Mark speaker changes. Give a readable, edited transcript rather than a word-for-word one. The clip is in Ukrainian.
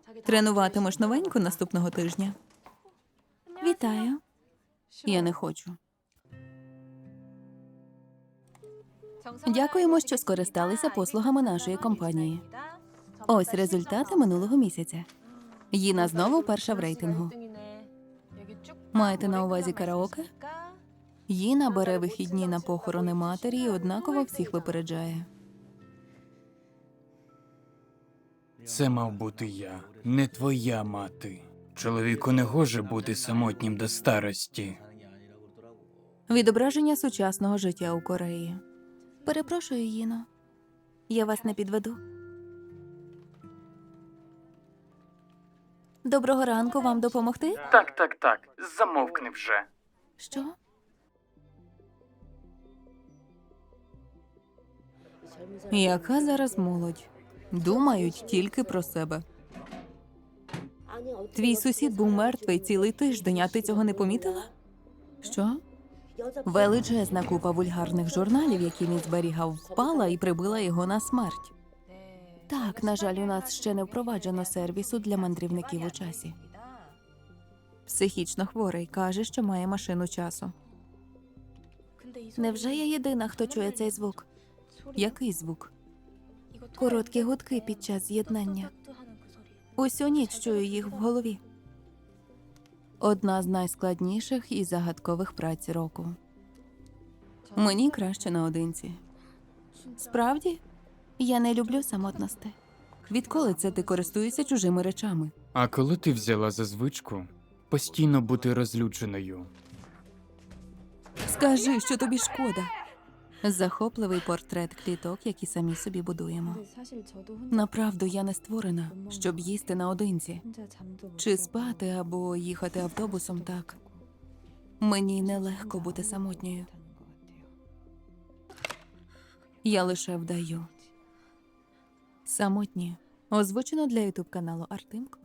Speaker 1: Тренуватимеш новеньку наступного тижня? Вітаю. Я не хочу. Дякуємо, що скористалися послугами нашої компанії. Ось результати минулого місяця. Їна знову перша в рейтингу. Маєте на увазі караоке? Їна бере вихідні на похорони матері і однаково всіх випереджає.
Speaker 2: Це мав бути я, не твоя мати. Чоловіку не гоже бути самотнім до старості.
Speaker 1: Відображення сучасного життя у Кореї. Перепрошую, Їно. Я вас не підведу. Доброго ранку, вам допомогти?
Speaker 2: Так. Замовкни вже.
Speaker 1: Що? Яка зараз молодь? Думають тільки про себе. Твій сусід був мертвий цілий тиждень, а ти цього не помітила? Що? Величезна купа вульгарних журналів, які він зберігав, впала і прибила його на смерть. Так, на жаль, у нас ще не впроваджено сервісу для мандрівників у часі. Психічно хворий, каже, що має машину часу. Невже я єдина, хто чує цей звук? Який звук? Короткі гудки під час з'єднання. Усю ніч чую їх в голові. Одна з найскладніших і загадкових праць року. Мені краще наодинці. Справді? Я не люблю самотності. Відколи це ти користуєшся чужими речами?
Speaker 2: А коли ти взяла за звичку постійно бути розлюченою?
Speaker 1: Скажи, що тобі шкода. Захопливий портрет кліток, які самі собі будуємо. Направду, я не створена, щоб їсти наодинці. Чи спати або їхати автобусом так. Мені нелегко бути самотньою. Я лише вдаю. Самотні. Озвучено для ютуб каналу Артемко.